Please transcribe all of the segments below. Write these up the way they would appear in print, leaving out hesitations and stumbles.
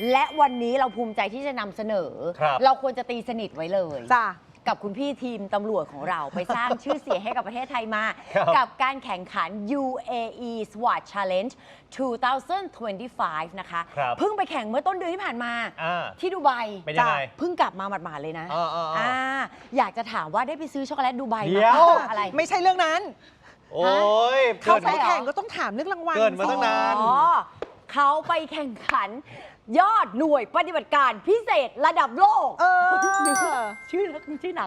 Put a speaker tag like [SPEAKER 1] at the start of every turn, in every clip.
[SPEAKER 1] และวันนี้เราภูมิใจที่จะนำเสนอ เราควรจะตีสนิทไว้เลย
[SPEAKER 2] จ้า
[SPEAKER 1] กับคุณพี่ทีมตำรวจของเราไปสร้างชื่อเสียงให้กับประเทศไทยมา กับการแข่งขัน UAE SWAT Challenge 2025 นะคะเพิ่งไปแข่งเมื่อต้นเดือนที่ผ่านมาที่ดูไบจ้ะเพิ่งกลับมาหมาดๆเลยนะอยากจะถามว่าได้ไปซื้อช็อกโกแลตดูไบมาอะไร
[SPEAKER 2] ไม่ใช่เรื่องนั้น
[SPEAKER 3] โอ้ย
[SPEAKER 2] เขาไปแข่งก็ต้องถามเรื่องรางวัล
[SPEAKER 3] เกินมาตั้งนาน
[SPEAKER 1] เขาไปแข่งขันยอดหน่วยปฏิบัติการพิเศษระดับโลกชื่อหนัง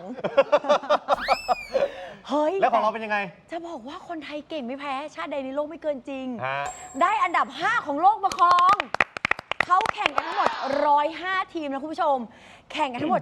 [SPEAKER 1] เฮ้ย
[SPEAKER 3] แล้วของเราเป็นยังไง
[SPEAKER 1] จะบอกว่าคนไทยเก่งไม่แพ้ชาติใดในโลกไม่เกินจริงได้อันดับ 5 ของโลกมาครองเขาแข่งกันทั้งหมด105ทีมนะคุณผู้ชมแข่งกันทั้งหมด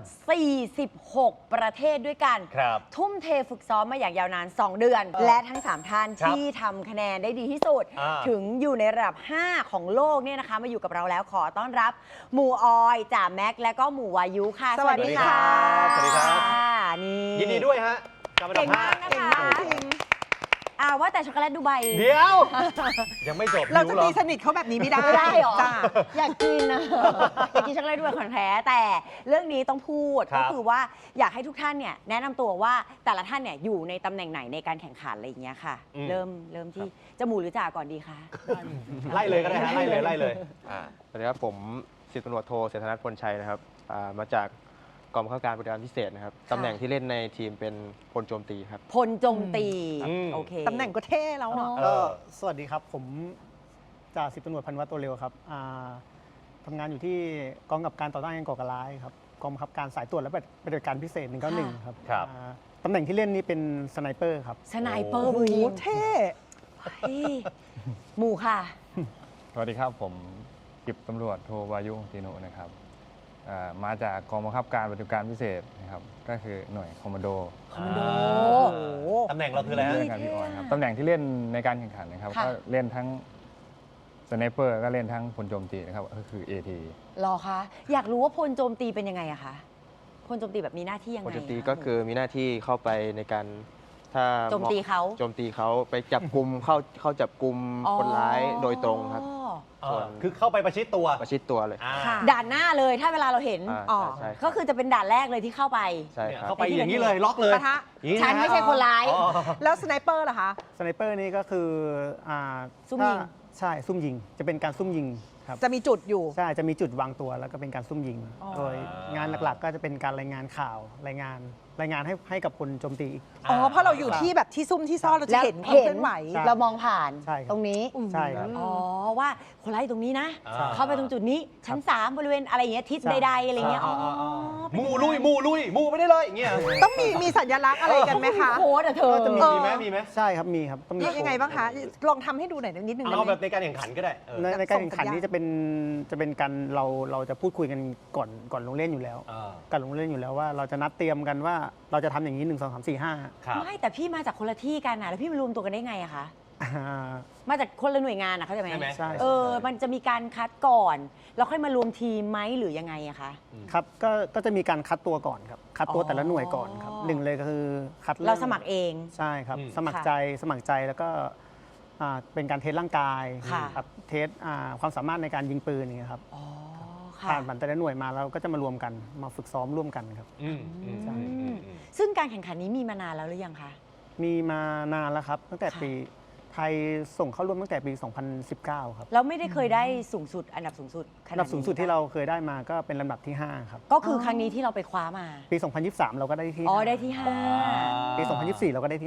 [SPEAKER 1] 46ประเทศด้วยกันทุ่มเทฝึกซ้อมมาอย่างยาวนาน2เดือนและทั้ง3ท่านที่ทำคะแนนได้ดีที่สุดถึงอยู่ในระดับ5ของโลกเนี่ยนะคะมาอยู่กับเราแล้วขอต้อนรับหมู่ออยจ่าแม็กและก็หมู่วายุค่ะ
[SPEAKER 2] สวัสดีค่ะ
[SPEAKER 3] สวัสดีครับ
[SPEAKER 1] นี่
[SPEAKER 3] ยินดีด้วยฮะกับอันดับ
[SPEAKER 1] 5นะคะว่าแต่ช็อกโกแลตดูไบ
[SPEAKER 3] เดี๋ยวยังไม่จบ
[SPEAKER 2] เราจะตีสนิทเขาแบบนี้ไม่ได้
[SPEAKER 1] หรออยากกินนะอยากกินช็อกโกแลตดูไบของแท้แต่เรื่องนี้ต้องพูดก็คือว่าอยากให้ทุกท่านเนี่ยแนะนำตัวว่าแต่ละท่านเนี่ยอยู่ในตำแหน่งไหนในการแข่งขันอะไรอย่างเงี้ยค่ะเริ่มที่จมูกหรือจ่าก่อนดีคะ
[SPEAKER 3] ไล่เลยก็ได้ฮะไล่เลย
[SPEAKER 4] สวัสดีครับผมสิบตำรวจโทเศรษฐนัทพลชัยนะครับมาจากกองบังคับการปฏิบัติการพิเศษนะครับตำแหน่งที่เล่นในทีมเป็นพลโจมตีครับ
[SPEAKER 1] พลโจมตีโอเค
[SPEAKER 2] ตำแหน่งก็เท่แล้วเนาะ
[SPEAKER 5] สวัสดีครับผมจ่าสิบตำรวจพันวัตรตัวเร็วครับทำงานอยู่ที่กองกำกับการต่อต้านการก่อการร้ายครับกองบังคับการสายตรวจและปฏิบัติการพิเศษ191ครับตำแหน่งที่เล่นนี่เป็นสไนเปอร์ครับ
[SPEAKER 1] สไนเปอร์มือยิง
[SPEAKER 2] เท่
[SPEAKER 1] หมู่ค่ะ
[SPEAKER 6] สวัสดีครับผมสิบตำรวจโทวายุตีโนนะครับมาจากกองบังคับการปฏิบัติการพิเศษนะครับก็คือหน่วยคอมมานโด
[SPEAKER 3] ตำแหน่งเราคืออะไรฮะ
[SPEAKER 6] พี่ออยครับตำแหน่งที่เล่นในการแข่งขันนะครับก็เล่นทั้งสไนเปอร์ก็เล่นทั้งพลโจมตีนะครับก็คือ AT
[SPEAKER 1] หรอคะอยากรู้ว่าพลโจมตีเป็นยังไงอะคะพลโจมตีแบบมีหน้าที่ยังไง
[SPEAKER 4] พลโจมตีก็คือมีหน้าที่เข้าไปในการถ้า
[SPEAKER 1] โจมตี
[SPEAKER 4] เขาไปจับกลุ่มเข้าจับกลุ่มคนร้ายโดยตรงครับ
[SPEAKER 3] คือเข้าไปประชิดตัว
[SPEAKER 4] เลย
[SPEAKER 1] ด่านหน้าเลยถ้าเวลาเราเห็นก็คือจะเป็นด่านแรกเลยที่เข้าไป
[SPEAKER 4] ใช่ครับ
[SPEAKER 3] เข้าไปอย่างนี้เลยล็อกเลย
[SPEAKER 1] ฉันไม่ใช่คนร้าย
[SPEAKER 2] แล้วสไนเปอร์ล่ะคะ
[SPEAKER 5] สไนเปอร์นี่ก็คือ
[SPEAKER 1] ซุ่มยิง
[SPEAKER 5] ใช่ซุ่มยิงจะเป็นการซุ่มยิงครับ
[SPEAKER 2] จะมีจุดอยู่
[SPEAKER 5] ใช่จะมีจุดวางตัวแล้วก็เป็นการซุ่มยิงโดยงานหลักๆก็จะเป็นการรายงานข่าวรายงานให้กับคนโจมตี
[SPEAKER 2] เพราะเราอยู่ที่แบบที่ซุ่มที่ซ่อนเราจะเห็นความเคลื่อนไหว
[SPEAKER 1] เรามองผ่านตรงนี้
[SPEAKER 5] ใช่ครับ
[SPEAKER 1] ว่าคนร้ายตรงนี้นะเข้าไปตรงจุดนี้ชั้น3บริเวณอะไรอย่างเงี้ยทิศใดๆอะไรเงี้ย
[SPEAKER 3] มูลุยมูไปได้เลยอย่างเงี้ย
[SPEAKER 2] ต้องมีสัญลักษณ์อะไรกันไหมคะ
[SPEAKER 1] โค้ดเธอ
[SPEAKER 3] จะมีไหม
[SPEAKER 5] ใช่ครับมีครับ
[SPEAKER 2] ต้องมียังไงบ้างคะลองทำให้ดูหน่อยนิดนึง
[SPEAKER 3] เอาแบบในการแข่งขันก็ได้
[SPEAKER 5] ในการแข่งขันนี้จะเป็นการเราจะพูดคุยกันก่อนลงเล่นอยู่แล้วก่อนลงเล่นอยู่แล้วว่าเราจะนัดเตรียมกันว่าเราจะทำอย่างนี้1 2 3 4 5
[SPEAKER 1] ไม่แต่พี่มาจากคนละที่กันนะแล้วพี่มารวมตัวกันได้ไงอะคะมาจากคนละหน่วยงานนะเข้าใจไหม
[SPEAKER 5] ใช่
[SPEAKER 1] มันจะมีการคัดก่อนแล้วค่อยมารวมทีมไหมหรือยังไงอะคะ
[SPEAKER 5] ครับก็จะมีการคัดตัวก่อนครับคัดตัวแต่ละหน่วยก่อนครับหนึ่งเลยก็คือคัด
[SPEAKER 1] เราสมัครเอง
[SPEAKER 5] ใช่ครับสมัครใจแล้วก็เป็นการเทสร่างกายครับเทสความสามารถในการยิงปืนอย่างเงี้ยครับผ่านแต่ละหน่วยมาเราก็จะมารวมกันมาฝึกซ้อมร่วมกันครับ
[SPEAKER 1] ซึ่งการแข่งขันนี้มีมานานแล้วหรือยังคะ
[SPEAKER 5] มีมานานแล้วครับตั้งแต่ปีไทยส่งเข้าร่วมตั้งแต่ปี 2019 ครับ
[SPEAKER 1] แล้วไม่ได้เคยได้สูงสุดอันดับสูงสุด
[SPEAKER 5] ที่เราเคยได้มาก็เป็นลำดับที่5ครับ
[SPEAKER 1] ก็คือครั้งนี้ที่เราไปคว้ามา
[SPEAKER 5] ปี 2023 เราก็ได้ที่
[SPEAKER 1] ได้ที่
[SPEAKER 5] 5ปี 2024 เราก็ได้ที่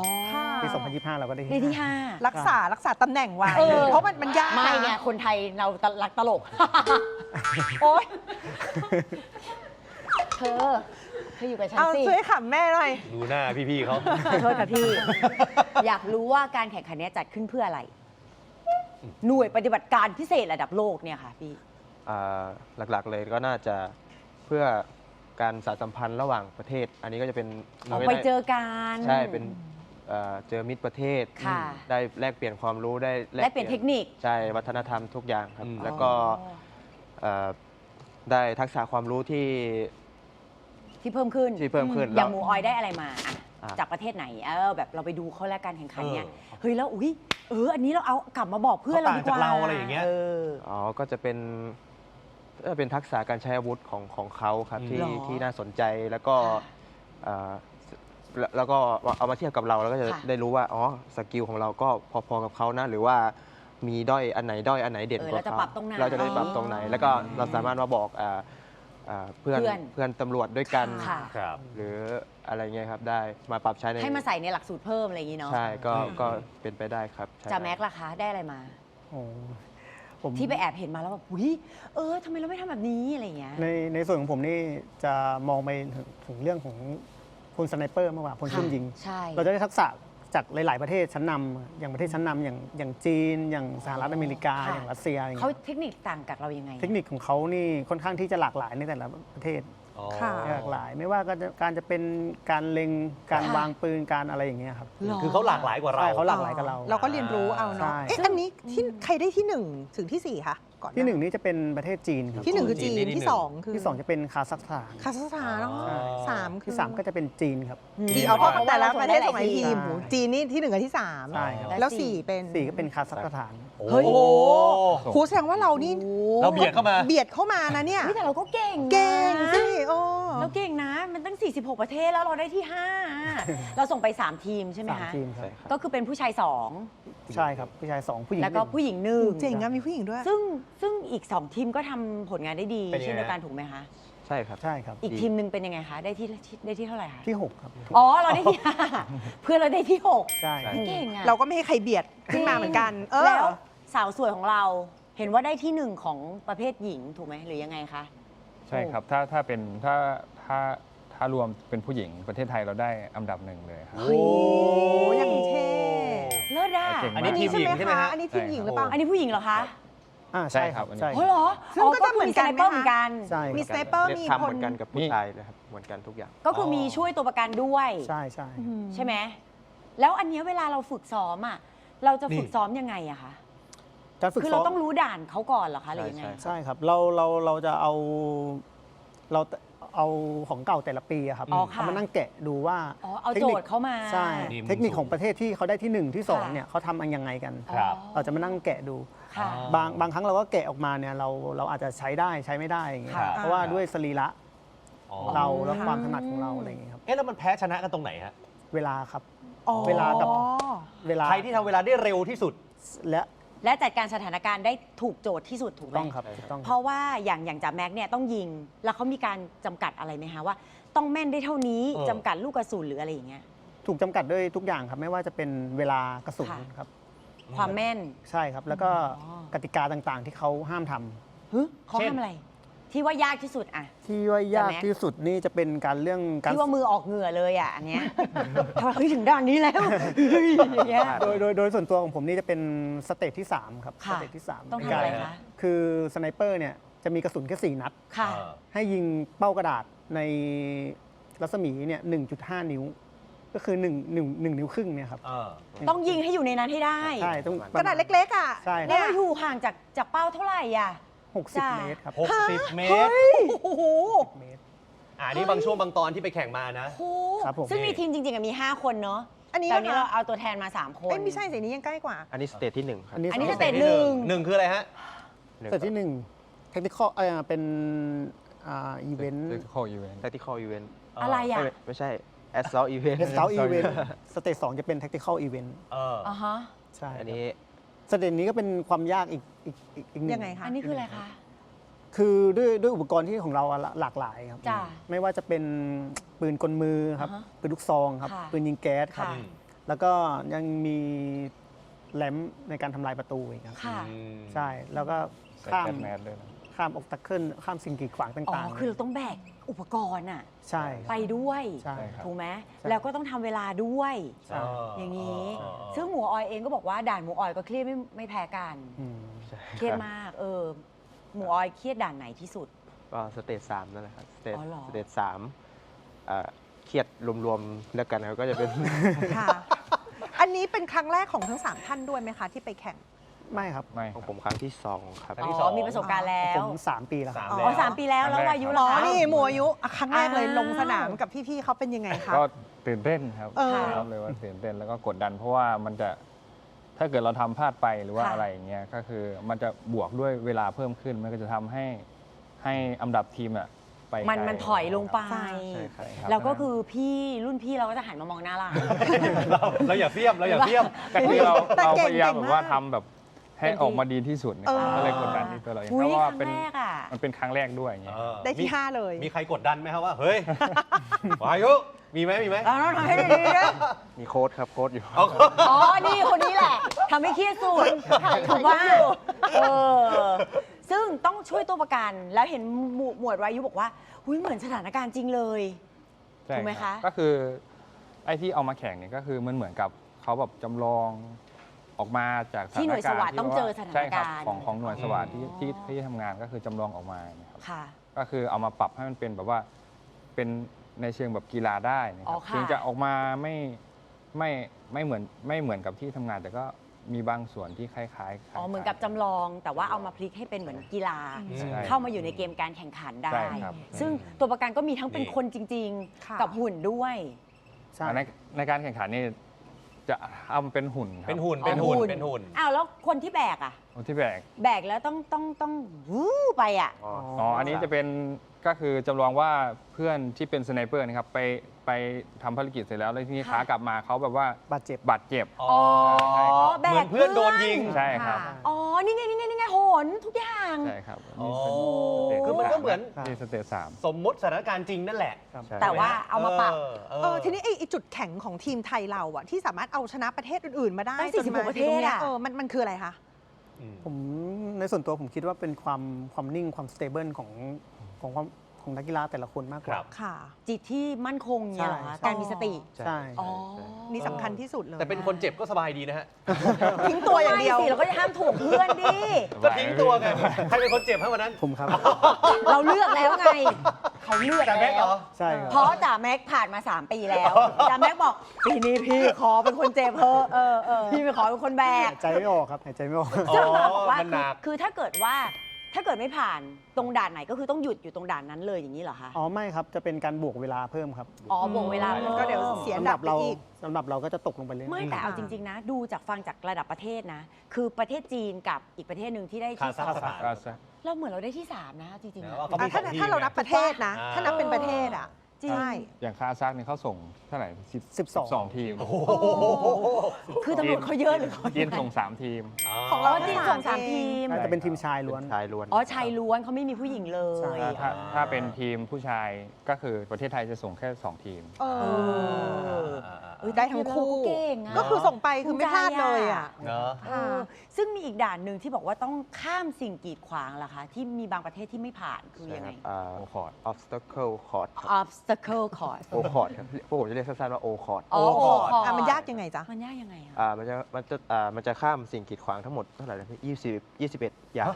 [SPEAKER 5] 5ปี 2025 เราก็ได้ที่
[SPEAKER 1] 5
[SPEAKER 2] รักษาตำแหน่งไว้เพราะมันยาก
[SPEAKER 1] ไม่ไงคนไทยเรารักตลก
[SPEAKER 2] โอ๊ย
[SPEAKER 1] เธออยู่กับฉันสิ
[SPEAKER 2] ช่วยขำแม่หน่อย
[SPEAKER 3] ดูหน้าพี่ๆเขา
[SPEAKER 1] โทษค่ะพี่อยากรู้ว่าการแข่งขันนี้จัดขึ้นเพื่ออะไรหน่วยปฏิบัติการพิเศษระดับโลกเนี่ยค่ะพี่
[SPEAKER 4] หลักๆเลยก็น่าจะเพื่อการสานสัมพันธ์ระหว่างประเทศอันนี้ก็จะเป็น
[SPEAKER 1] ไปเจอกัน
[SPEAKER 4] ใช่เป็นเจอมิตรประเทศได้แลกเปลี่ยนความรู้ได้
[SPEAKER 1] แลกเปลี่ยนเทคนิค
[SPEAKER 4] ใช่วัฒนธรรมทุกอย่างครับแล้วก็ได้ทักษะความรู้ที่
[SPEAKER 1] เพิ่มขึ้นอย่างหมูออยได้อะไรมาจากประเทศไหนแบบเราไปดูเขาแล้วการแข่งขันเนี่ยเฮ้ยแล้วอันนี้เราเอากลับมาบอกเพื่อนเราดีกว่า
[SPEAKER 3] เราอะไรอย่างเงี้ย
[SPEAKER 4] ก็จะเป็นเป็นทักษะการใช้อาวุธของเขาครับที่
[SPEAKER 1] หรอ
[SPEAKER 4] ที่น่าสนใจแล้วก็
[SPEAKER 1] ค่ะ
[SPEAKER 4] เอ่อแล้วก็เอามาเทียบกับเราแล้วก็จะ
[SPEAKER 1] ค่ะ
[SPEAKER 4] ได้รู้ว่าอ๋อสกิลของเราก็พอๆกับเขานะหรือว่ามีด้อยอันไหนเด่นกว่า
[SPEAKER 1] เราจะ
[SPEAKER 4] เขา
[SPEAKER 1] ปรับตรงไหน
[SPEAKER 4] เราจะได้ปรับตรงไหน แล้วก็เราสามารถมาบอกเพื่อน
[SPEAKER 1] เพื่อน
[SPEAKER 4] เพื่อนตำรวจด้วยกัน
[SPEAKER 1] ค่ะ
[SPEAKER 3] ครับ
[SPEAKER 4] หรืออะไรเงี้ยครับได้มาปรับใช้ใน
[SPEAKER 1] ให้มาใส่ในหลักสูตรเพิ่มอะไรอย่างนี้เนาะ
[SPEAKER 4] ใช่ก็เป็นไปได้ครับใช่
[SPEAKER 1] จ่าแม็กซ์ล่ะคะได้อะไรมา
[SPEAKER 5] โอ้ผม
[SPEAKER 1] ที่ไปแอบเห็นมาแล้วแบบอุ้ยทำไมเราไม่ทำแบบนี้อะไรอย่างเงี้ย
[SPEAKER 5] ในส่วนของผมนี่จะมองไปถึงเรื่องของพลสไนเปอร์มากกว่าพลซุ่มยิง
[SPEAKER 1] ใช่
[SPEAKER 5] เราจะได้ทักษะจากหลาย ๆ ประเทศชั้นนำอย่างประเทศชั้นนำอย่างจีน อย่างสหรัฐอเมริกา
[SPEAKER 1] ค่ะ
[SPEAKER 5] อย่างรัสเซียอย่าง
[SPEAKER 1] เขา
[SPEAKER 5] เงี้ย
[SPEAKER 1] เทคนิคต่างกับเรายังไง
[SPEAKER 5] เทคนิคของเขานี่ค่อนข้างที่จะหลากหลายในแต่ละประเทศ
[SPEAKER 3] อ๋อ
[SPEAKER 2] ค่ะ
[SPEAKER 5] หลากหลาย ไม่ว่าการจะเป็นการเล็งการ
[SPEAKER 1] ค่ะ
[SPEAKER 5] วางปืนการอะไรอย่างเงี้ยครับ
[SPEAKER 1] หร
[SPEAKER 3] คือเขาหลากหลายกว่าเรา
[SPEAKER 5] ใช่เขาหลากหลายกับเรา
[SPEAKER 2] เราก็เรียนรู้เอา
[SPEAKER 5] ใช่
[SPEAKER 2] เนาะเอ๊ะอันนี้ที่ใครได้ที่ 1 ถึงที่ 4คะก่อน
[SPEAKER 5] ที่หนึ่งนี่จะเป็นประเทศจีนครับ
[SPEAKER 2] ที่ 1 คือจีน
[SPEAKER 3] ที่หนึ่ง
[SPEAKER 2] ที่ 2 คือ
[SPEAKER 5] ที่สองจะเป็นคาซัคสถาน
[SPEAKER 2] คาซัคสถานเนาะ
[SPEAKER 3] อ๋อ
[SPEAKER 2] สามคือ
[SPEAKER 5] ที่สามก็จะเป็นจีนครับ
[SPEAKER 2] จีนเอาเพราะแต่ละประเทศส่งหลาย
[SPEAKER 1] ที
[SPEAKER 2] ทีม
[SPEAKER 1] ม
[SPEAKER 2] โหจีนนี่ที่ 1 กับที่
[SPEAKER 5] ใช่ครับ
[SPEAKER 2] 3 แล้ว 4 เป็น
[SPEAKER 5] สี่ก็เป็นคาซัคสถาน
[SPEAKER 3] โอ้
[SPEAKER 1] เฮ้ย
[SPEAKER 2] โอ้โหครูแสดงว่าเรานี่
[SPEAKER 3] เราเบียดเข้ามา
[SPEAKER 2] เบียดเข้ามานะเนี่ย
[SPEAKER 1] เฮ้ยแต่เราก็เก่งนะ
[SPEAKER 2] เก่งสิโอ้
[SPEAKER 1] เราเก่งนะ มันตั้ง 46 ประเทศแล้วเราได้ที่ 5 เราส่งไป 3 ทีมใช่ไหม
[SPEAKER 5] สาม
[SPEAKER 1] คะ
[SPEAKER 5] ทีมครับ
[SPEAKER 4] ใช่ครับ
[SPEAKER 1] ก็คือเป็นผู้ชาย
[SPEAKER 5] ใช่ครับผู้ชายสองผู้หญิ
[SPEAKER 1] 2
[SPEAKER 5] ง
[SPEAKER 1] แล้วก็
[SPEAKER 5] หนึ่ง
[SPEAKER 1] ผู้หญิงหนึ่ง
[SPEAKER 2] เจ๋งอะมีผู้หญิงด้วย
[SPEAKER 1] ซึ่งอีก 2 ทีมก็ทำผลงานได้ดี
[SPEAKER 3] เป็นยังไง
[SPEAKER 1] เช่นเดียวกันถูกไหมคะ
[SPEAKER 4] ใช่ครับ
[SPEAKER 5] ใช่ครับ
[SPEAKER 1] อีกทีมหนึ่งเป็นยังไงคะ ได้ที่เท่าไหร่คะ
[SPEAKER 5] ที่ 6 ครับ
[SPEAKER 1] อ๋อ เราได้ที่ 5 เพื่อนเราได้ที่ 6
[SPEAKER 5] ใช่
[SPEAKER 1] เก่งอะ
[SPEAKER 2] เราก็ไม่ให้ใครเบียดขึ้นมาเหมือนกัน
[SPEAKER 1] แล้วสาวสวยของเราเห็นว่าได้ที่ 1 ของประเภทหญิงถูกไหมหรือยังไงคะ
[SPEAKER 6] ใช่ครับถ้าเป็นถ้ารวมเป็นผู้หญิงประเทศไทยเราได้อันดับ 1เลยครับ
[SPEAKER 2] โอ้ยยังเท่
[SPEAKER 1] เลิศอ่ะ
[SPEAKER 6] เก่งมาก
[SPEAKER 3] อันนี้ทีมหญิงใช่ไหมฮะ
[SPEAKER 2] อันนี้ทีมหญิงหรือเปล่า
[SPEAKER 1] อันนี้ผู้หญิงเหรอคะ
[SPEAKER 5] ใช่ครับ
[SPEAKER 6] ใช่
[SPEAKER 5] ใช่
[SPEAKER 6] ครับ
[SPEAKER 1] โอ้เหรอ
[SPEAKER 2] ซึ่งก็จะเหมือนกันไหมคะ
[SPEAKER 1] สไเปอร์เหมือนกัน
[SPEAKER 5] ใช่
[SPEAKER 2] มี
[SPEAKER 5] ค
[SPEAKER 2] ส
[SPEAKER 5] รับ
[SPEAKER 2] ไนเปอร์มี
[SPEAKER 4] ทำ
[SPEAKER 2] ค
[SPEAKER 4] เห
[SPEAKER 2] น
[SPEAKER 4] มือนกันกับผู้ชายเลยครับเหมือนกันทุกอย่าง
[SPEAKER 1] ก็คือมีช่วยตัวประกันด้วย
[SPEAKER 5] ใช่ใช่
[SPEAKER 1] ใช่ไหมแล้วอันเนี้ยเวลาเราฝึกซ้อมอ่ะเราจะฝึก
[SPEAKER 3] นี่
[SPEAKER 1] ซ้อมยังไงอะคะ
[SPEAKER 5] การฝึก
[SPEAKER 1] คือ
[SPEAKER 5] ซ้
[SPEAKER 1] เรา
[SPEAKER 5] อม
[SPEAKER 1] ต้องรู้ด่านเขาก่อนเหรอคะหรือยังไง
[SPEAKER 4] ใช่
[SPEAKER 5] ใช่ครับเราจะเอาของเก่าแต่ละปีอะครับ
[SPEAKER 1] อ๋อค่ะ
[SPEAKER 5] เอามานั่งแกะดูว่า
[SPEAKER 1] อ๋อเอา
[SPEAKER 5] ทค
[SPEAKER 1] โจ
[SPEAKER 5] นิค
[SPEAKER 1] ทย์เขามา
[SPEAKER 5] ใช่
[SPEAKER 3] นี่มุม
[SPEAKER 5] เทคนิค
[SPEAKER 3] สูง
[SPEAKER 5] ของประเทศที่เขาได้ที่ 1 ที่ 2
[SPEAKER 1] ค่ะ
[SPEAKER 5] เนี่ยเขาทำอันยังไงกัน
[SPEAKER 3] ครับ
[SPEAKER 5] เราจะมานั่งแกะดู
[SPEAKER 1] ค่ะ
[SPEAKER 5] บางครั้งเราก็แกะออกมาเนี่ยเราอาจจะใช้ได้ใช้ไม่ได้อย่างเงี้ย
[SPEAKER 1] ค่ะ
[SPEAKER 5] เพราะว่าด้วยสรีระ
[SPEAKER 3] อ๋อ
[SPEAKER 5] เราและความถนัดของเราอะไรอย่างเงี้ยครับ
[SPEAKER 3] เอ๊ะแล้วมันแพ้ชนะกันตรงไหนฮะ
[SPEAKER 5] เวลาครับ
[SPEAKER 2] อ๋อ
[SPEAKER 5] เวลากับ เวลา
[SPEAKER 3] ใครที่ทำเวลาได้เร็วที่สุด
[SPEAKER 5] และ
[SPEAKER 1] และจัดการสถานการณ์ได้ถูกโจทย์ที่สุดถูกไหม
[SPEAKER 5] ต้องครับถูกต้อง
[SPEAKER 1] เพราะว่าอย่างจ่าแม็กเนี่ยต้องยิง แล้วเขามีการจำกัดอะไรไหมคะว่า ต้องแม่นได้เท่านี้
[SPEAKER 3] เออ
[SPEAKER 1] จำกัดลูกกระสุนหรืออะไรอย่างเงี้ย
[SPEAKER 5] ถูกจำกัดด้วยทุกอย่างครับ ไม่ว่าจะเป็นเวลากระสุน
[SPEAKER 1] ค่ะ
[SPEAKER 5] ครับ
[SPEAKER 1] ความแม่น
[SPEAKER 5] ใช่ครับ แล้วก็
[SPEAKER 1] อ๋อ
[SPEAKER 5] กติกาต่างๆ ที่เขาห้ามทำ
[SPEAKER 1] ฮึเขา
[SPEAKER 3] เช่น
[SPEAKER 1] ทำอะไร ที่ว่ายากที่สุดอะ
[SPEAKER 5] ที่ว่ายาก
[SPEAKER 1] ใช่ไหม
[SPEAKER 5] ที่สุดนี่จะเป็นการเรื่องการ
[SPEAKER 1] ที่ว่ามือออกเหงื่อเลยอะอันเนี้ย ทำไมเฮ้ยถึงด่านนี้แล้วเฮ้ยอย่างเงี้ย
[SPEAKER 5] โดยส่วนตัวของผมนี่จะเป็นสเตจที่ 3 ครับส
[SPEAKER 1] ค่ะ
[SPEAKER 5] เตจที่3
[SPEAKER 1] ต้องทำอะไรคะ
[SPEAKER 5] คือสไนเปอร์เนี่ยจะมีกระสุนแค่4 นัด
[SPEAKER 1] ค่ะ
[SPEAKER 3] เออ
[SPEAKER 5] ให้ยิงเป้ากระดาษในรัศมีเนี่ย 1.5 นิ้ว ก็คือ1 นิ้วครึ่งเนี่ยครับ
[SPEAKER 3] เออ
[SPEAKER 1] ต้องยิงให้อยู่ในนั้นให้ได้
[SPEAKER 5] ใช่ต้อง
[SPEAKER 2] กระดาษเล็กๆอ่ะ
[SPEAKER 5] ใช่ค
[SPEAKER 1] แล้
[SPEAKER 5] รั
[SPEAKER 1] ว
[SPEAKER 5] บ
[SPEAKER 1] อยู่ห่างจากเป้าเท่าไหร่อ่ะ จ้ะ
[SPEAKER 5] 60 เมตรครับ
[SPEAKER 3] 60 เมตร
[SPEAKER 1] โอ้โห
[SPEAKER 5] เมตร
[SPEAKER 3] นี่บางช่วงบางตอนที่ไปแข่งมานะ
[SPEAKER 1] โอ้
[SPEAKER 5] ครับผม
[SPEAKER 1] ซึ่งในทีมจริงๆมี 5 คนเนาะ
[SPEAKER 2] อันนี้
[SPEAKER 1] แต่วันนี้
[SPEAKER 2] นะคะ
[SPEAKER 1] เราเอาตัวแทนมา 3 คน
[SPEAKER 2] เอ้ยไม่ใช่สีนี้ยังใกล้กว่า
[SPEAKER 4] อันนี้สเตจที่ 1 ครับ
[SPEAKER 5] อันนี้
[SPEAKER 1] อันนี้
[SPEAKER 5] ส
[SPEAKER 1] ส
[SPEAKER 5] เต
[SPEAKER 1] เต
[SPEAKER 5] จ
[SPEAKER 1] จหนึ่ง
[SPEAKER 3] หนึ่งคืออะไรฮะ
[SPEAKER 5] สเตจที่1เทคนิคเป็นอีเวนต์
[SPEAKER 6] Tactical event
[SPEAKER 4] tactical event
[SPEAKER 1] อะไรอ่ะ
[SPEAKER 4] ไม่ใช่ assault event
[SPEAKER 5] เสาอีเวนต์สเตจ2จะเป็น tactical event
[SPEAKER 3] เออ
[SPEAKER 1] อ่าฮะ
[SPEAKER 5] ใช่
[SPEAKER 4] อันนี้
[SPEAKER 5] สเตจนี้ก็เป็นความยากอีกหนึ่ง
[SPEAKER 2] ยังไงคะ
[SPEAKER 1] อันนี้คืออะไรคะ
[SPEAKER 5] คือด้วยอุปกรณ์ที่ของเราอะหลากหลายครับ
[SPEAKER 1] จ้ะ
[SPEAKER 5] ไม่ว่าจะเป็นปืนกลมือครับ
[SPEAKER 1] อ่าฮะ
[SPEAKER 5] ปืนลูกซองครับ
[SPEAKER 1] ค่ะ
[SPEAKER 5] ปืนยิงแก๊สครับ
[SPEAKER 1] ค่ะ
[SPEAKER 5] แล้วก็ยังมีแหลมในการทำลายประตูอีกครับ
[SPEAKER 1] ค่ะ
[SPEAKER 5] ใช่ แล้วก็
[SPEAKER 6] ใส่
[SPEAKER 5] ข้าม
[SPEAKER 6] แก๊สแมสด้วยนะ
[SPEAKER 5] ข้ามออกตักเกิลข้ามสิ่งกีดขวาง
[SPEAKER 1] อ๋อ
[SPEAKER 5] ต่างๆ
[SPEAKER 1] คือเราต้องแบกอุปกรณ์อ่ะ
[SPEAKER 5] ใช่
[SPEAKER 1] ไปด้วย
[SPEAKER 5] ใช่
[SPEAKER 6] ครับ
[SPEAKER 1] ถูกไหม
[SPEAKER 5] ใช่
[SPEAKER 1] แล้วก็ต้องทำเวลาด้วย
[SPEAKER 5] ใช่
[SPEAKER 1] อย่างนี้
[SPEAKER 3] อ๋อ
[SPEAKER 1] ซึ่งหมูออยเองก็บอกว่าด่านหมูออยก็เครียดไม่แพ้กัน
[SPEAKER 5] อืม
[SPEAKER 1] เครียดมาก หมูออยเครียดด่านไหนที่สุด
[SPEAKER 4] ก็สเตจ3นั่นแหละครับสเตจ
[SPEAKER 1] อ๋อเหรอ
[SPEAKER 4] สเตจ3เครียดรวมๆแล้วกันครับก็จะเป็น
[SPEAKER 2] ค่ะ อันนี้เป็นครั้งแรกของทั้ง 3 ท่านด้วยไหมคะ ที่ไปแข่ง
[SPEAKER 5] ไม่ครับ
[SPEAKER 6] ไม่ค
[SPEAKER 4] ข
[SPEAKER 6] รั
[SPEAKER 4] อบ งผมครั้งที่ 2 ครับ
[SPEAKER 3] ครั้งที่สอง
[SPEAKER 1] มีประสบการณ์แล้
[SPEAKER 5] ผ
[SPEAKER 1] ว
[SPEAKER 5] ม3 ปีแล้วครับ
[SPEAKER 3] 3
[SPEAKER 1] อ๋อ 3 ปีแล้ว แล้วอายุ
[SPEAKER 2] อ๋
[SPEAKER 1] ล่ะ
[SPEAKER 2] อ
[SPEAKER 1] คะ
[SPEAKER 2] นี่หมวอายุอ่ะครั้งแรกเลย
[SPEAKER 1] อ้าว
[SPEAKER 2] ลงสนามกับพี่ๆเขาเป็นยังไงคะ
[SPEAKER 6] ก็ตื่นเต้นครับ
[SPEAKER 2] เออ
[SPEAKER 6] รับเลยว่าตื่นเต้นแล้วก็กดดัน เพราะว่ามันจะถ้าเกิดเราทำพลาดไปหรือว่า
[SPEAKER 1] ค่ะ
[SPEAKER 6] อะไรอย่างเงี้ยก็คือมันจะบวกด้วยเวลาเพิ่มขึ้น มันก็จะทำให้ให้อันดับทีมอะไป
[SPEAKER 1] มัน
[SPEAKER 6] ไกล
[SPEAKER 1] มันถอยลงไป
[SPEAKER 2] ใช่
[SPEAKER 4] ใช่ครับ
[SPEAKER 6] ครับ
[SPEAKER 1] แล้วก็คือพี่รุ่นพี่เราก็จะหันมามองหน้าเรา
[SPEAKER 3] เราอย่าเสียมเราอย่าเสียม
[SPEAKER 6] ก็คือเรา
[SPEAKER 2] แต่
[SPEAKER 6] เรา
[SPEAKER 2] เก่ง
[SPEAKER 6] พยายาม
[SPEAKER 2] เก่ง
[SPEAKER 6] แบบว่า
[SPEAKER 2] าก
[SPEAKER 6] ทำแบบให้ออกมาดีที่สุดนะ
[SPEAKER 2] เอ
[SPEAKER 6] ครับ
[SPEAKER 2] อ
[SPEAKER 6] ก็เลยกดดันที่ตัวเราเอง
[SPEAKER 1] อุ๊
[SPEAKER 6] เพ
[SPEAKER 1] ย
[SPEAKER 6] ราะว่า
[SPEAKER 1] ครั้
[SPEAKER 6] เป็น
[SPEAKER 1] งแรกอะ
[SPEAKER 6] มันเป็นครั้งแรกด้วยอย่างเงี้ย
[SPEAKER 2] ได้ที่ 5 เลย
[SPEAKER 3] มีใครกดดันไหมครับว่า เฮ้ย วายุมีไหม
[SPEAKER 1] เราต้องทำให้ดีๆนะ
[SPEAKER 4] มีโค้ดครับโค้ดอยู่
[SPEAKER 3] เอา
[SPEAKER 1] อ๋อ นี่คนนี้แหละทำให้เครียดสุดถูกว่าเออซึ่งต้องช่วยตัวประกัน แล้วเห็นหมวดวายุบอกว่าหุ้ยเหมือนสถานการณ์จริงเลย
[SPEAKER 6] ใช่
[SPEAKER 1] ถูกไหม
[SPEAKER 6] ครั
[SPEAKER 1] คะ
[SPEAKER 6] บก็คือไอ้ที่เอามาแข่งเนี่ยก็คือมันเหมือนกับเขาแบบจำลองออกมาจากสถานการณ์
[SPEAKER 1] ที่หน่วยสวัสดิ์ต้องเจอสถาน
[SPEAKER 6] ใช่ครับ
[SPEAKER 1] การณ์
[SPEAKER 6] ของหน่วยสวัสดิ์ที่ทำงานก็คือจำลองออกมาเนี่ยครับ
[SPEAKER 1] ค่ะ
[SPEAKER 6] ก็คือเอามาปรับให้มันเป็นแบบว่าเป็นในเชิงแบบกีฬาได้นะค
[SPEAKER 1] อ๋
[SPEAKER 6] รั
[SPEAKER 1] อบ ค่ะ
[SPEAKER 6] ถึงจะออกมาไม่เหมือนกับที่ทำงาน แต่ก็มีบางส่วนที่คล้ายๆ
[SPEAKER 1] อ๋อ เหมือนกับจำลอง แต่ว่าเอามาพลิกให้เป็นเหมือนกีฬา
[SPEAKER 6] ใช่
[SPEAKER 1] เข้ามาอยู่ในเกมการแข่งขันได้
[SPEAKER 6] ใช่ครับ
[SPEAKER 1] ซึ่งตัวประกันก็มีทั้งเป็น
[SPEAKER 3] นี่
[SPEAKER 1] คนจริง
[SPEAKER 2] ค่ะ
[SPEAKER 1] ๆ กับหุ่นด้วย
[SPEAKER 5] ใช่
[SPEAKER 6] ในการแข่งขันนี่จะเอามาเป็นหุ่นครับ
[SPEAKER 3] เป็นหุ่นเป็นหุ่นเป็นหุ่น
[SPEAKER 1] อ้าวแล้วคนที่แบกอะ
[SPEAKER 6] คนที่แบก
[SPEAKER 1] แบกแล้วต้องวู้ไปอะ
[SPEAKER 6] อ๋อ อันนี้จะเป็นก็คือจำลองว่าเพื่อนที่เป็นสไนเปอร์นะครับไปทำภารกิจเสร็จแล้วแล้วทีนี้ขากลับมาเขาแบบว่า
[SPEAKER 5] บาดเจ็บ
[SPEAKER 6] บาดเจ็บ
[SPEAKER 3] อ๋อ
[SPEAKER 1] อ๋อ แบ
[SPEAKER 3] เหมื
[SPEAKER 1] ก
[SPEAKER 3] อนเพื่อนโดนยิง
[SPEAKER 6] ใช่ครับ
[SPEAKER 2] ค่ะ
[SPEAKER 1] อ๋อ นี่ไงโหนทุกอย่าง
[SPEAKER 6] ใช่ครับ
[SPEAKER 3] อ๋อ
[SPEAKER 6] นี่
[SPEAKER 3] คือมันก็เหมือน
[SPEAKER 6] นี่สเตจสาม
[SPEAKER 3] สมมติสถานการณ์จริงนั่นแหละ
[SPEAKER 5] ครับ
[SPEAKER 6] ใช่
[SPEAKER 1] แต่ว่าเอามาปรับ
[SPEAKER 2] ทีนี้ไอ้จุดแข็งของทีมไทยเราอะที่สามารถเอาชนะประเทศอื่นๆมาได้
[SPEAKER 1] ตั้ง
[SPEAKER 2] จนมา
[SPEAKER 1] 46ประเทศ
[SPEAKER 2] ถึงตงนี้ย
[SPEAKER 1] อะ
[SPEAKER 2] มันคืออะไรคะ
[SPEAKER 5] ผมในส่วนตัวผมคิดว่าเป็นความนิ่งความสเตเบิลของนักกีฬาแต่ละคนมากก
[SPEAKER 3] ครั
[SPEAKER 5] ว่า
[SPEAKER 3] บ
[SPEAKER 2] ค่ะ
[SPEAKER 1] จิตที่มั่นคงเนี่ยเหรอคะ
[SPEAKER 5] ใช่
[SPEAKER 1] การมีสติ
[SPEAKER 5] ใช่
[SPEAKER 1] อ๋อ
[SPEAKER 2] นี่สำคัญที่สุดเลย
[SPEAKER 3] แต่เป็นคนเจ็บก็สบายดีนะฮะ
[SPEAKER 2] ทิ้งตัวอย่างเดียว
[SPEAKER 1] ไม่สิเราก็จะห้ามถูกเพื่อนดิ
[SPEAKER 3] ก็ทิ้งตัวไง ใครเป็นคนเจ็บให้วันนั้น
[SPEAKER 5] ผมครับ
[SPEAKER 1] เราเลือกแล้วไง เขาเลือก
[SPEAKER 3] แต่แม็กเหร
[SPEAKER 1] แล้ว
[SPEAKER 3] อ
[SPEAKER 5] ใช่ครับ
[SPEAKER 1] เพราะจ่าแม็กผ่านมา 3 ปีแล้วจ่าแม็กบอกปีนี้พี่ขอเป็นคนเจ็บเพอะพี่ไม่ขอเป็นคนแบก
[SPEAKER 5] หายใจไม่ออกครับหายใจไม่ออก
[SPEAKER 3] อ๋อ
[SPEAKER 1] ซึ่งเราบอกว่า
[SPEAKER 3] มันหนัก
[SPEAKER 1] คือถ้าเกิดไม่ผ่านตรงด่านไหนก็คือต้องหยุดอยู่ตรงด่านนั้นเลยอย่างนี้เหรอคะ
[SPEAKER 5] อ๋อไม่ครับจะเป็นการบวกเวลาเพิ่มครับ
[SPEAKER 1] อ๋อบวกเวลาพิ่ม
[SPEAKER 2] ก็เดี๋ยวเสีย อันดับไป
[SPEAKER 5] เรา
[SPEAKER 2] อีก
[SPEAKER 5] สำหรับเราก็จะตกลงไปเรื่อยๆ
[SPEAKER 1] ไม่แต่เอาจริง ๆ นะ ดูจากฟังจากระดับประเทศนะ คือประเทศจีนกับอีกประเทศหนึ่งที่ได้ที่
[SPEAKER 3] คาซัคสถาน
[SPEAKER 6] ก็จะ
[SPEAKER 1] เราเหมือนเราได้ที่ 3 นะจริงๆ
[SPEAKER 3] นะ
[SPEAKER 1] อะ
[SPEAKER 3] ว่าเขามี
[SPEAKER 2] ถ้า
[SPEAKER 3] สองทีม
[SPEAKER 2] ถ้าเรานับประเทศนะ
[SPEAKER 3] อ่า
[SPEAKER 2] ถ้านับเป็นประเทศอ่ะ
[SPEAKER 1] จริง
[SPEAKER 2] ใช่
[SPEAKER 6] อย่างคาซัคเนี่ยเขาส่งเท่าไหร่
[SPEAKER 5] 12
[SPEAKER 6] ทีม
[SPEAKER 1] คือตำรวจเขาเยอะหรือเขา
[SPEAKER 6] จีนส่ง 3 ทีม
[SPEAKER 2] ของ
[SPEAKER 1] อ๋
[SPEAKER 2] เรา
[SPEAKER 1] อจีนส่ง3 ทีม
[SPEAKER 5] น่าจะเป็นทีมชายล้วน
[SPEAKER 4] ชายล้วน
[SPEAKER 1] อ๋อชายล้วนเขาไม่มีผู้หญิงเล
[SPEAKER 5] ใช่
[SPEAKER 1] ย
[SPEAKER 6] ถ้าเป็นทีมผู้ชายก็คือประเทศไทยจะส่งแค่ 2 ทีม
[SPEAKER 2] เอ
[SPEAKER 1] เอ
[SPEAKER 2] อ
[SPEAKER 1] อ
[SPEAKER 2] ได้ทั้งคู่
[SPEAKER 1] เก่งอะ
[SPEAKER 2] ก็คือส่งไปคือไม่พลาดเลยอ่ะ
[SPEAKER 3] เนอะ
[SPEAKER 1] เออซึ่งมีอีกด่านหนึ่งที่บอกว่าต้องข้ามสิ่งกีดขวางล่ะคะ ที่มีบางประเทศที่ไม่ผ่านคือยังไง
[SPEAKER 6] โอคอร์ด
[SPEAKER 4] obstacle court ครับ
[SPEAKER 1] obstacle course
[SPEAKER 4] โอคอร์ดครับพวกผมจะเรียกสั้นๆว่าโอคอร์ด
[SPEAKER 1] อ๋อ
[SPEAKER 3] โอ้
[SPEAKER 1] โอ้
[SPEAKER 2] อ่ะมันยากยังไงจ๊ะ
[SPEAKER 1] มันยากยังไงอะ
[SPEAKER 4] มันจะข้ามสิ่งกีดขวางทั้งหมดเท่าไหร่นะพี่21 อย่าง
[SPEAKER 3] ฮะ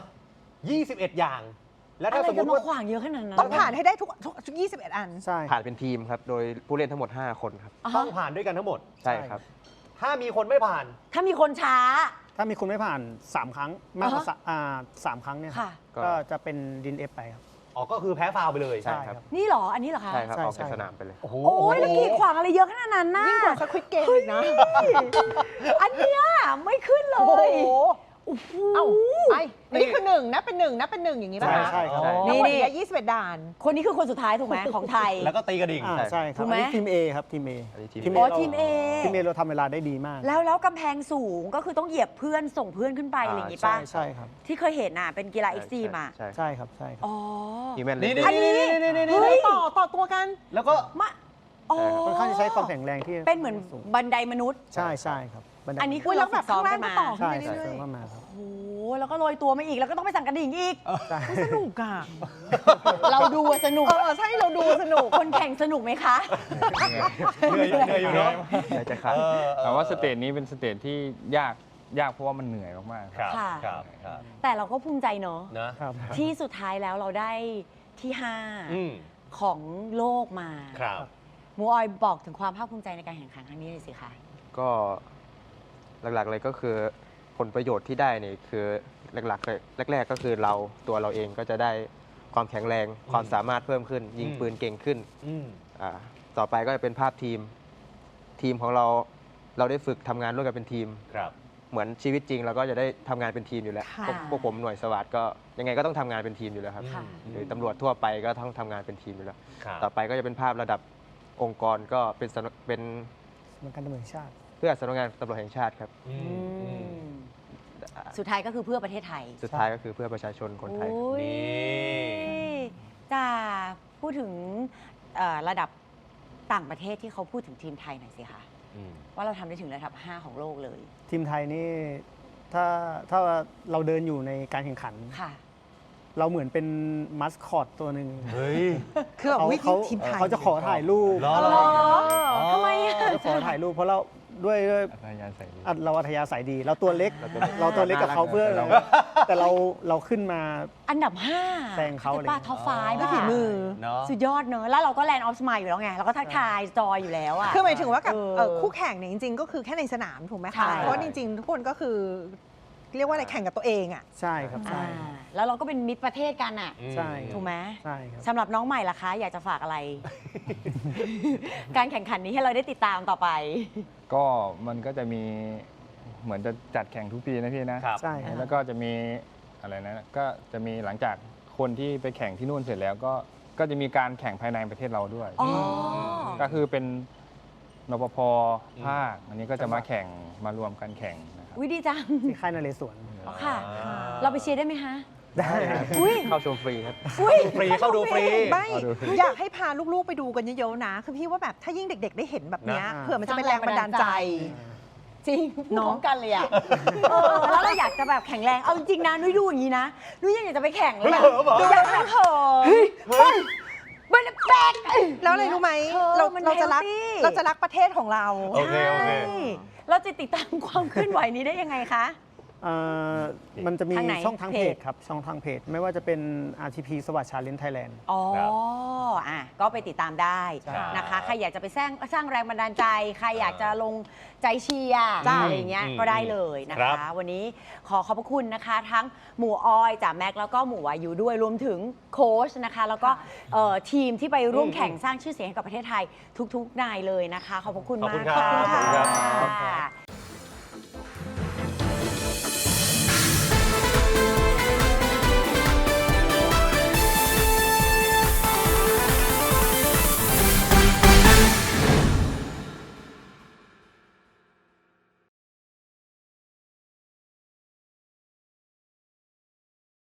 [SPEAKER 3] 21 อย่าง แล้ว
[SPEAKER 1] อะ
[SPEAKER 3] ถ้า
[SPEAKER 1] ไร
[SPEAKER 3] สมม
[SPEAKER 1] จะ
[SPEAKER 3] ติ
[SPEAKER 1] มา
[SPEAKER 3] ว่า
[SPEAKER 1] ขวางเยอะขนาดนั้น
[SPEAKER 2] ต้องผ่านให้ได้ทุก 21 อัน
[SPEAKER 5] ใช่
[SPEAKER 4] ผ่านเป็นทีมครับ โดยผู้เล่นทั้งหมด 5 คนครับ
[SPEAKER 1] อ่า
[SPEAKER 3] ต้
[SPEAKER 1] ฮะ
[SPEAKER 3] องผ่านด้วยกันทั้งหมด
[SPEAKER 4] ใช่ครับ
[SPEAKER 3] ถ้ามีคนไม่ผ่าน
[SPEAKER 1] ถ้ามีคนช้า
[SPEAKER 5] ถ้ามีคนไม่ผ่าน 3 ครั้งมากกว่า
[SPEAKER 1] อ่าฮะ
[SPEAKER 5] สามครั้งเนี่ย
[SPEAKER 1] ค่ะ
[SPEAKER 5] ก็จะเป็นดินเอฟไปครับ
[SPEAKER 3] อ๋อ ก็คือแพ้ฟาวล์ไปเลย
[SPEAKER 4] ใช่ครับ
[SPEAKER 1] นี่เหรอ อันนี้เหรอคะ
[SPEAKER 4] ใช่ครับ
[SPEAKER 5] ใช่
[SPEAKER 4] ออกจาก
[SPEAKER 5] ใช่
[SPEAKER 4] สนามไปเลย
[SPEAKER 3] โอ้โห
[SPEAKER 1] โอ้ยแล้วกีดขวางอะไรเยอะขนาดนั้นน่ะ
[SPEAKER 2] ยิ่งกว่าสควิตเกมอีกนะ
[SPEAKER 1] อันเนี้ยไม่ขึ้นเล
[SPEAKER 2] โอ้โห
[SPEAKER 1] ยโอ้โห
[SPEAKER 2] เอ้าไปนี่คือ1นับเป็น1อย่างนี้ป่ะ
[SPEAKER 5] ใช่
[SPEAKER 2] คะ
[SPEAKER 5] ใช่ครับ
[SPEAKER 2] ทั้งหมด
[SPEAKER 1] นี่
[SPEAKER 2] เนี่ย21 ด่าน
[SPEAKER 1] คนนี้คือคนสุดท้ายถูกไหมของไทย
[SPEAKER 3] แล้วก็ตีกระดิ่ง
[SPEAKER 5] ใช่ครับ
[SPEAKER 1] ถูกไหม
[SPEAKER 5] อันนี้ทีม A ครับทีม A
[SPEAKER 4] อันนี้ทีม
[SPEAKER 5] ทีม
[SPEAKER 1] อ๋อ
[SPEAKER 5] เรา
[SPEAKER 1] ทีม A
[SPEAKER 5] ทีม A เราทำเวลาได้ดีมาก
[SPEAKER 1] แล้วกำแพงสูงก็คือต้องเหยียบเพื่อนส่งเพื่อนขึ้นไปอะไรอย่างงี้
[SPEAKER 5] ใช่
[SPEAKER 1] ป่ะ
[SPEAKER 5] ใช่ครับ
[SPEAKER 1] ที่เคยเห็นน่ะเป็นกีฬาเอ็กซ์ตรีมอ่ะ
[SPEAKER 4] ใช่
[SPEAKER 5] ใช่ครับใช่ครับ
[SPEAKER 1] อ๋อ
[SPEAKER 4] ทีมแมนเล
[SPEAKER 3] นี่
[SPEAKER 4] น
[SPEAKER 3] นี่
[SPEAKER 1] อันนี้
[SPEAKER 2] เฮ้ยต่อตัวกัน
[SPEAKER 3] แล้วก็
[SPEAKER 1] มาอ๋อ
[SPEAKER 5] ค่อนข้างจะใช้ความแข็งแรงที่
[SPEAKER 1] เป็นเหมือน
[SPEAKER 5] สูง
[SPEAKER 1] บันไดมนุษย์
[SPEAKER 5] ใช่ใช่ครับบันได
[SPEAKER 1] อันนี้คื
[SPEAKER 2] อุ้
[SPEAKER 1] อย
[SPEAKER 2] แล้
[SPEAKER 1] เรา
[SPEAKER 2] วแบ
[SPEAKER 1] ฝึ
[SPEAKER 2] บ
[SPEAKER 1] กซ้อม
[SPEAKER 2] ข้างล่าง
[SPEAKER 1] กัน
[SPEAKER 2] ก็
[SPEAKER 1] มา
[SPEAKER 2] ต่อ
[SPEAKER 5] ใช่
[SPEAKER 2] ขึ้นไป
[SPEAKER 5] ใช่
[SPEAKER 2] เรื่อย
[SPEAKER 5] เพิ่มมาครับ
[SPEAKER 1] โอ้โหแล้วก็โรยตัวมาอีกแล้วก็ต้องไปสั่งกระดิ่งอีก
[SPEAKER 5] ใช่
[SPEAKER 2] ๆสนุกอ่ะ
[SPEAKER 1] เราดูอะสนุก
[SPEAKER 2] ใช่เราดูสนุก
[SPEAKER 1] คนแข่งสนุกไหมคะ
[SPEAKER 3] เหนื่อยอยู่เนาะ
[SPEAKER 4] ใช่จะขาด
[SPEAKER 6] แต่ว่าสเตจนี้เป็นสเตจที่ยากเพราะว่ามันเหนื่อยมากๆ
[SPEAKER 3] ครับ
[SPEAKER 1] ค่ะ
[SPEAKER 3] ครับครับ
[SPEAKER 1] แต่เราก็ภูมิใจเนอะ
[SPEAKER 3] นะ
[SPEAKER 5] ครับ
[SPEAKER 1] ที่สุดท้ายแล้วเราได้ที่
[SPEAKER 3] อืม
[SPEAKER 1] 5 ของโลกมา
[SPEAKER 3] ครับ
[SPEAKER 1] หมูออยบอกถึงความภาคภูมิใจในการแข่งขันครั้งนี้เลยสิคะ
[SPEAKER 4] ก็หลักๆเลยก็คือผลประโยชน์ที่ได้นี่คือหลักๆเลยแรก ๆ ก็คือตัวเราเองก็จะได้ความแข็งแรงความสามารถเพิ่มขึ้น ยิงปืนเก่งขึ้น
[SPEAKER 3] อืม
[SPEAKER 4] ต่อไปก็จะเป็นภาพทีมของเราได้ฝึกทำงานร่วมกันเป็นทีม
[SPEAKER 3] ครับ
[SPEAKER 4] เหมือนชีวิตจริงเราก็จะได้ทำงานเป็นทีมอยู่แล้ว
[SPEAKER 2] ค่ะ
[SPEAKER 4] พวกผมหน่วยสวัสดิ์ก็ยังไงก็ต้องทำงานเป็นทีมอยู่แล้วครับ
[SPEAKER 1] ค่ะ
[SPEAKER 4] หรือตำรวจทั่วไปก็ต้องทำงานเป็นทีมอยู่แล้ว
[SPEAKER 3] ครับ
[SPEAKER 4] ต่อไปก็จะเป็นภาพระดับองค์กรก็เป็นเป็น
[SPEAKER 5] สำนักงานตำรวจแห่งชาติ
[SPEAKER 4] เพื่อสำนักงานตำรวจแห่งชาติครับ
[SPEAKER 3] อืม
[SPEAKER 1] สุดท้ายก็คือเพื่อประเทศไทย
[SPEAKER 4] สุดท้ายก็คือเพื่อประชาชนคนไทย
[SPEAKER 1] โอ้ย
[SPEAKER 3] นี่
[SPEAKER 1] จะพูดถึงระดับต่างประเทศที่เขาพูดถึงทีมไทยหน่อยสิคะ
[SPEAKER 3] อืม
[SPEAKER 1] ว่าเราทำได้ถึงระดับ 5 ของโลกเลย
[SPEAKER 5] ทีมไทยนี่ถ้าเราเดินอยู่ในการแข่งขัน
[SPEAKER 1] ค่ะ
[SPEAKER 5] เราเหมือนเป็นมัสคอตตัวหนึ่ง
[SPEAKER 3] เฮ้ย
[SPEAKER 2] คือแบบ
[SPEAKER 5] เขา
[SPEAKER 2] วิธี
[SPEAKER 5] เขา
[SPEAKER 2] ทีมไทย
[SPEAKER 5] เขาจะขอถ่ายรูป
[SPEAKER 3] เหรอ
[SPEAKER 1] ทำไมอะ
[SPEAKER 5] เขาจะขอถ่ายรูปเพราะเราด้วย
[SPEAKER 6] อัธยาศัยดี
[SPEAKER 5] เราอัธยาศัยดี เราตัวเล็ก เราตัวเล็กกับเขาเพื่อ
[SPEAKER 4] เรา
[SPEAKER 5] แต่เราขึ้นมา
[SPEAKER 1] อันดับ 5
[SPEAKER 5] แซงเขาเลย
[SPEAKER 1] ป้าท็อปไฟ
[SPEAKER 2] ด้วยฝีมือ
[SPEAKER 3] เนาะ
[SPEAKER 1] สุดยอดเนอะแล้วเราก็แลนด์ออฟสมายอยู่แล้วไง เราก็ทักทายจอยอยู่แล้วอะ
[SPEAKER 2] คือหมายถึงว่ากับ
[SPEAKER 1] เ
[SPEAKER 2] คู่แข่งเนี่ยจริงๆ ก็คือแค่ในสนามถูกไหม
[SPEAKER 1] ใช่
[SPEAKER 2] คะ เพราะว่าจริงๆ ทุกคนก็คือ เรียกว่าอะไรแข่งกับตัวเองอ่ะ
[SPEAKER 5] ใช่ครับ
[SPEAKER 1] อ่า
[SPEAKER 5] ใช่
[SPEAKER 1] แล้วเราก็เป็นมิตรประเทศกันอะ
[SPEAKER 5] ใช่
[SPEAKER 1] ถูกไหม
[SPEAKER 5] ใช่ครับ
[SPEAKER 1] สำหรับน้องใหม่ล่ะคะ อยากจะฝากอะไร การแข่งขันนี้ให้เราได้ติดตามต่อไป
[SPEAKER 6] ก็มันก็จะมีเหมือนจะจัดแข่งทุกปีนะพี่นะ
[SPEAKER 3] ครับ
[SPEAKER 5] ใช่ครับ
[SPEAKER 6] แล้วก็จะมีอะไรนะก็จะมีหลังจากคนที่ไปแข่งที่นู่นเสร็จแล้วก็จะมีการแข่งภายในประเทศเราด้วย
[SPEAKER 1] อ๋อ
[SPEAKER 6] ก็คือเป็นนปภภาคอันนี้ก็จะมาแข่งมารวมกันแข่งนะครับ
[SPEAKER 1] วิดีจัง
[SPEAKER 5] ที่ค่ายนเรศวร
[SPEAKER 1] อ๋อค่ะ เราไปเชียร์ได้ไหมคะ
[SPEAKER 5] ได้ครับ
[SPEAKER 1] อุ้ย
[SPEAKER 4] เข้าชมฟรีครับ
[SPEAKER 1] อุ้ย
[SPEAKER 3] ฟรีเข้าดูฟรี
[SPEAKER 2] ไม่
[SPEAKER 6] เอาดู
[SPEAKER 2] อยากให้พาลูกๆไปดูกันเยอะๆนะ คือพี่ว่าแบบถ้ายิ่งเด็ก ๆ ได้เห็นแบบเนี้ย
[SPEAKER 5] นะ
[SPEAKER 2] เผื่อมันจะเป็นแรงบันดาลใจ
[SPEAKER 1] จริงพูดพร้อมกันเลยอ่ะแล้วเราอยากจะแบบแข็งแรง เอาจริงๆนะ นุ้ยดูอย่างนี้นะ นุ้ยยังอยากจะไปแข่งเลยอะ
[SPEAKER 3] เฮ้ยเหรอ
[SPEAKER 1] ดูอยากนั่งเหินเฮ้ยมันแปลก
[SPEAKER 2] แล้วอะไรรู้ไหม
[SPEAKER 1] เธอ
[SPEAKER 2] เรา
[SPEAKER 1] มัน
[SPEAKER 2] เราจะรัก
[SPEAKER 1] healthy
[SPEAKER 2] เราจะรักประเทศของเรา
[SPEAKER 3] โอเคโอเค
[SPEAKER 1] ใช่เราจะติดตามความเคลื่อนไหวนี้ได้ยังไงคะ
[SPEAKER 5] เอ่อมันจะมี
[SPEAKER 1] ทางไหน
[SPEAKER 5] ช่องทางเพ
[SPEAKER 1] เพ
[SPEAKER 5] จ
[SPEAKER 1] จ
[SPEAKER 5] ครับ ช่องทางเพจ ไม่ว่าจะเป็น RTP สวัสดิ์ชาเลนจ์ไทยแลนด์
[SPEAKER 1] อ๋อ
[SPEAKER 3] ครับ
[SPEAKER 1] ก็ไปติดตามได้
[SPEAKER 3] ครับ
[SPEAKER 1] นะคะ ใครอยากจะไปสร้างแรงบันดาลใจ ใครอยากจะลงใจเชียร์
[SPEAKER 2] จ้า
[SPEAKER 1] อะไรอย่างเงี้ย ก็ได้เลยนะ
[SPEAKER 3] ครั
[SPEAKER 1] คะ
[SPEAKER 3] บ
[SPEAKER 1] วันนี้ขอขอบพระคุณนะคะ ทั้งหมู่ออยจ่าแม็กแล้วก็หมู่วายุด้วย รวมถึงโค้ชนะคะ แล้วก็ทีมที่ไปร่วมแข่งสร้างชื่อเสียงให้กับประเทศไทยทุกๆนายเลยนะคะ ขอบพระคุณ
[SPEAKER 3] ขอบ
[SPEAKER 1] มา
[SPEAKER 3] คุ
[SPEAKER 1] ก
[SPEAKER 3] ณครับ
[SPEAKER 1] ขอบคุณ
[SPEAKER 3] ขอบคุณครับ
[SPEAKER 1] ค่ะ